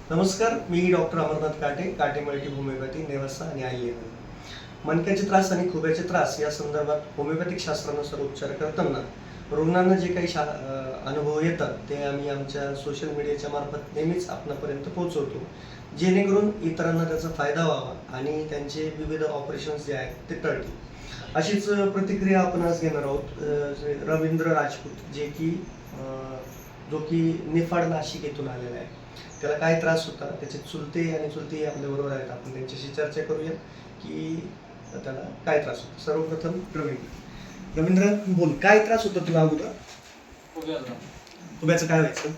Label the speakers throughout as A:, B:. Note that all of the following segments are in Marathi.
A: नमस्कार, मी डॉक्टर अमरनाथ काटे, काटे मल्टी होमिओपॅथी, नेवासा आणि आयएमए. मणक्याचे त्रास आणि खुब्याचे त्रास या संदर्भात होमिओपॅथिक शास्त्रानुसार उपचार करताना रुग्णांना जे काही अनुभव येतात ते आम्ही आमच्या सोशल मीडियाच्या मार्फत नेहमीच आपणापर्यंत पोहोचवतो, जेणेकरून इतरांना त्याचा फायदा व्हावा आणि त्यांचे विविध ऑपरेशन्स जे आहेत ते टळतील. अशीच प्रतिक्रिया आपण आज घेणार आहोत. रवींद्र राजपूत, जो की निफाड नाशिक येथून आलेला आहे. त्याला काय त्रास होता, त्याचे चुलते आणि चुलती आपल्याबरोबर आहेत. आपण त्यांच्याशी चर्चा करूया की त्याला काय त्रास होता. सर्वप्रथम रवींद्र बोल, काय त्रास होता तुला अगोदर? खुब्याचं काय व्हायचं?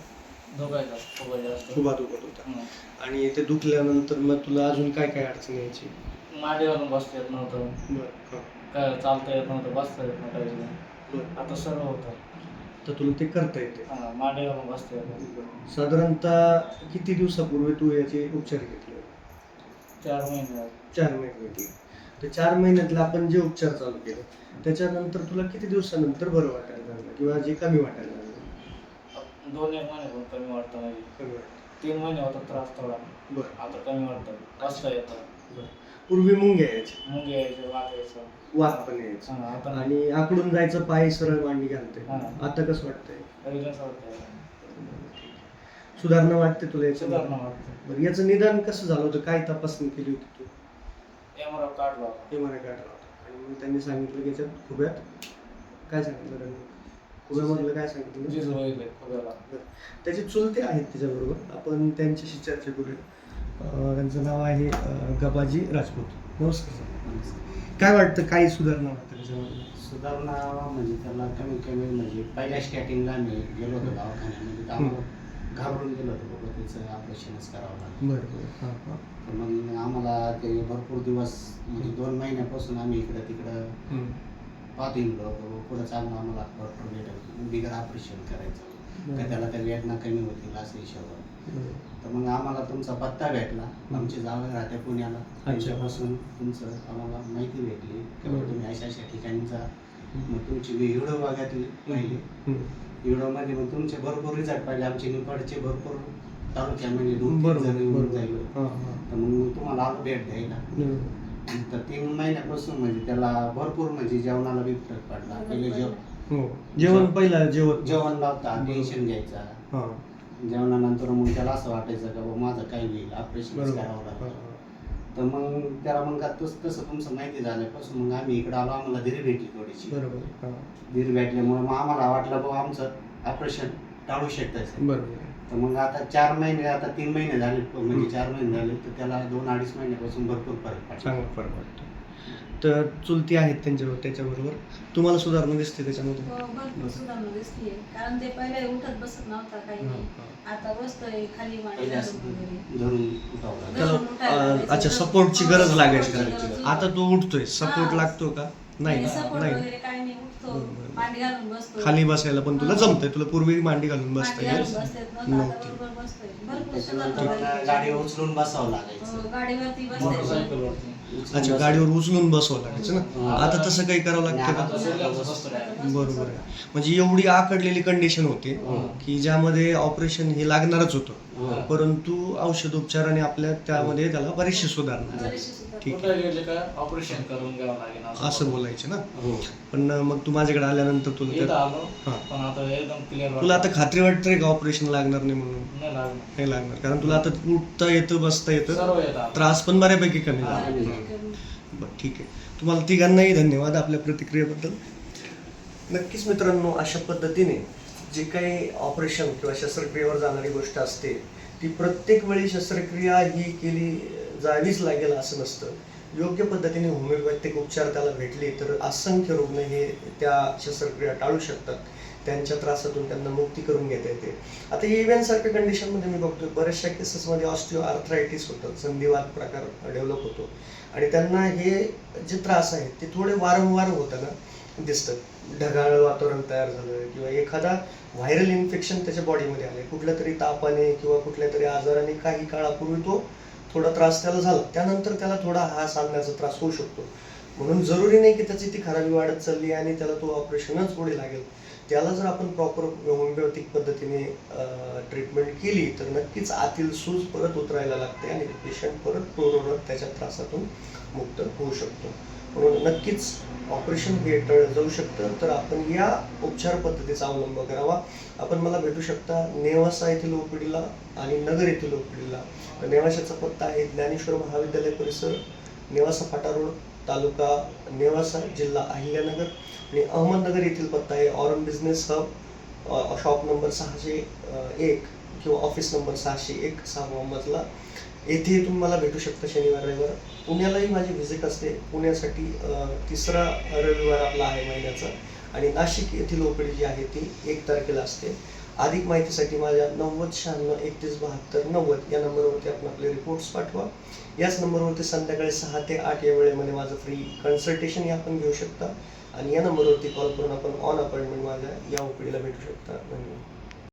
A: खुबा दुखत होता. आणि ते दुखल्यानंतर मग तुला अजून काय काय अडचण यायची?
B: मांडीवरून बसता येत नव्हतं, काय चालता येत नव्हतं, बसता येत नव्हतं. आता सर्व होतं.
A: तर तुला ते करता येते?
B: मांडीवरून बसता येतं.
A: साधारणतः किती दिवसापूर्वी तू याचे उपचार घेतले?
B: 4 महिने.
A: 4 महिने. तर 4 महिन्यातले आपण जे उपचार चालू केले त्याच्यानंतर तुला किती दिवसानंतर बरं वाटायला लागलं किंवा जे कमी वाटायला लागलं?
B: 2-1 महिने कमी वाटतं. म्हणजे
A: कमी वाटतं.
B: 3 महिने होता त्रास थोडा.
A: बरं.
B: आता कमी वाटतं, बसता येतं.
A: बरं. पूर्वी मुंग्या यायची,
B: मुंगे यायचे, वात यायचं,
A: वात पण यायचं
B: आता
A: आणि आकडून जायचं, पाय सरळ मांडी घालते. आता कसं वाटतंय?
B: रिलॅक्स वाटतंय.
A: सुधारणा वाटते तुला याच्या?
B: सुधारणा वाटतं.
A: बरं, याचं निदान कसं झालं होतं? काय तपासणी केली होती तू?
B: MRI काढला होता.
A: MRI काढला होता आणि मग त्यांनी सांगितलं की याच्यात खुब्यात काय सांगितलं त्यांनी? खुब्यामधलं काय सांगितलं?
B: झीज वगैरे खुब्याला.
A: त्याचे चुलते आहेत त्याच्याबरोबर, आपण त्यांच्याशी चर्चा करूया. त्यांचं नाव आहे गबाजी राजपूत. नमस्कार सर. काय वाटतं, काय सुधारणा वाटतं त्याच्यामध्ये?
C: सुधारणा म्हणजे त्याला कमीत कमी म्हणजे पहिल्या स्टार्टिंगला आम्ही गेलो होतो दवाखान्यामध्ये, तर आम्हाला घाबरून गेलो होतो, बाबा त्याचं ऑपरेशनच करावं लागलं.
A: बरं.
C: तर मग आम्हाला ते भरपूर दिवस म्हणजे 2 महिन्यापासून आम्ही इकडं तिकडं पाहतो येलो होतो, पुढं चालून आम्हाला डॉक्टर भेटत बिगर ऑपरेशन करायचं का त्याला त्या वेदना कमी होतील असं हिशोबावर. तर मग आम्हाला तुमचा पत्ता भेटला, आमची जावं राहते पुण्याला, त्यांच्यापासून तुमचं आम्हाला माहिती भेटली की तुम्ही अशा अशा ठिकाणी जा. मग तुमची व्हिडिओ बघितली पाहिली, व्हिडिओमध्ये मग तुमचे भरपूर रिझल्ट पाहिले. आमचे निफाडचे भरपूर तालुक्यामध्ये 2-3 जण येऊन जाईल. तर मग तुम्हाला आलो भेट द्यायला. तर 3 महिन्यापासून म्हणजे त्याला भरपूर म्हणजे जेवणाला बी फरक पडला. पहिले
A: पहिला
C: जेवण लावता, टेन्शन घ्यायचा. जेवणानंतर मग त्याला असं वाटायचं का बाबा माझं काय होईल, ऑपरेशन करावं लागतं. तर मग त्याला मग तसं तुमचं माहिती झाल्यापासून मग आम्ही इकडे आलो, आम्हाला धीर भेटली थोडीशी. धीर भेटल्यामुळे मग आम्हाला वाटलं बाबा आमचं ऑपरेशन टाळू शकतायचं. तर मग आता 4 महिने, आता 3 महिने झाले, म्हणजे 4 महिने झाले, तर त्याला 2-2.5 महिन्यापासून भरपूर फरक पडला.
A: चांगला फरक वाटतो. तर चुलती आहेत त्याच्याबरोबर तुम्हाला सुधारणा दिसते त्याच्यामध्ये?
D: भरपूर सुधारणा दिसते, कारण ते पहिले उठत बसत नव्हता, काही नाही. आता बसतोय खाली मांडी
C: धरून उठावं.
A: अच्छा, सपोर्टची गरज लागायची. आता तो उठतोय, सपोर्ट लागतो का? नाही.
D: वगैरे काही नाही, उठतो, मांडी घालून बसतो.
A: खाली बसायला पण तुला जमतंय? तुला पूर्वी मांडी घालून बसता येत
D: नव्हती. भरपूर सुधारणा.
C: गाडीवर उचलून बसावं लागायचं.
D: गाडीवरती
B: मोटरसायकलवरती.
A: अच्छा, गाडीवर उचलून बसवावं लागायचं ना. आता तसं काही करावं लागतं का? बरोबर आहे. म्हणजे एवढी आकडलेली कंडिशन होते की ज्यामध्ये ऑपरेशन हे लागणारच होतं, परंतु औषधोपचाराने आपल्या त्यामध्ये त्याला बरीचशी सुधारणा. ठीक आहे,
B: ऑपरेशन करून घ्यावं लागेल
A: असं बोलायचं ना. पण मग तू माझ्याकडे आल्यानंतर तुला
B: पण आता एकदम क्लिअर.
A: तुला आता खात्री वाटते का ऑपरेशन लागणार नाही म्हणून? नाही लागणार, कारण तुला आता उठता येतं, बसता येतं, त्रास पण बऱ्यापैकी कमी झाला. बरं, ठीक आहे. तुम्हाला तिघांनाही धन्यवाद आपल्या प्रतिक्रियेबद्दल. नक्कीच मित्रांनो, अशा पद्धतीने जे काही ऑपरेशन किंवा शस्त्रक्रियेवर जाणारी गोष्ट असते ती प्रत्येक वेळी शस्त्रक्रिया ही केली जावीच लागेल असं नसतं. योग्य पद्धतीने होमिओपॅथिक उपचार त्याला भेटले तर असंख्य रुग्ण हे त्या शस्त्रक्रिया टाळू शकतात. त्यांच्या त्रासातून त्यांना मुक्ती करून घेता येते. आता इव्हेंटसारख्या कंडिशनमध्ये मी बघतो बऱ्याचशा केसेसमध्ये ऑस्टिओआर्थरायटिस होतं, संधिवात प्रकार डेव्हलप होतो आणि त्यांना हे जे त्रास आहेत ते थोडे वारंवार होताना दिसतात. ढगाळ वातावरण तयार झालं किंवा एखादा व्हायरल इन्फेक्शन त्याच्या बॉडीमध्ये आले, कुठल्या तरी तापाने किंवा कुठल्या तरी आजाराने काही काळापूर्वी तो थोडा त्रास त्याला झाला, त्यानंतर त्याला थोडा हास आणण्याचा त्रास होऊ शकतो. म्हणून जरुरी नाही की त्याची ती खराबी वाढत चालली आणि त्याला तो ऑपरेशनच पुढे लागेल. त्याला जर आपण प्रॉपर होमिओपॅथिक पद्धतीने ट्रीटमेंट केली तर नक्कीच आतील सूज परत उतरायला लागते आणि पेशंट परत पूर्ववत त्याच्या त्रासातून मुक्त होऊ शकतो. म्हणून नक्कीच ऑपरेशन हे टळलं जाऊ शकतं. तर आपण या उपचार पद्धतीचा अवलंब करावा. आपण मला भेटू शकता नेवासा येथील ओपीडीला आणि नगर येथील ओपीडीला. नेवाशाचा पत्ता आहे ज्ञानेश्वर महाविद्यालय परिसर, नेवासा फाटा रोड, तालुका नेवासा, जिल्हा अहिल्यानगर. आणि अहमदनगर येथील पत्ता आहे Auron business hub, shop number 601 किंवा ऑफिस नंबर 601, 6वा मजला. येथे तुम्ही मला भेटू शकता शनिवार रविवार. पुण्यालाही माझी व्हिजिट असते. पुण्यासाठी 3रा रविवार आपला आहे महिन्याचा. आणि नाशिक येथील ओपीडी जी आहे ती 1 तारखेला असते. अधिक माहितीसाठी माझ्या 9096317290 या नंबरवरती आपण आपले रिपोर्ट्स पाठवा. याच नंबरवरती संध्याकाळी 6 ते 8 या वेळेमध्ये माझं फ्री कन्सल्टेशन आपण घेऊ शकता. आणि या नंबरवरती कॉल करून आपण ऑन अपॉइंटमेंट माझ्या या ओपीडीला भेटू शकता. धन्यवाद.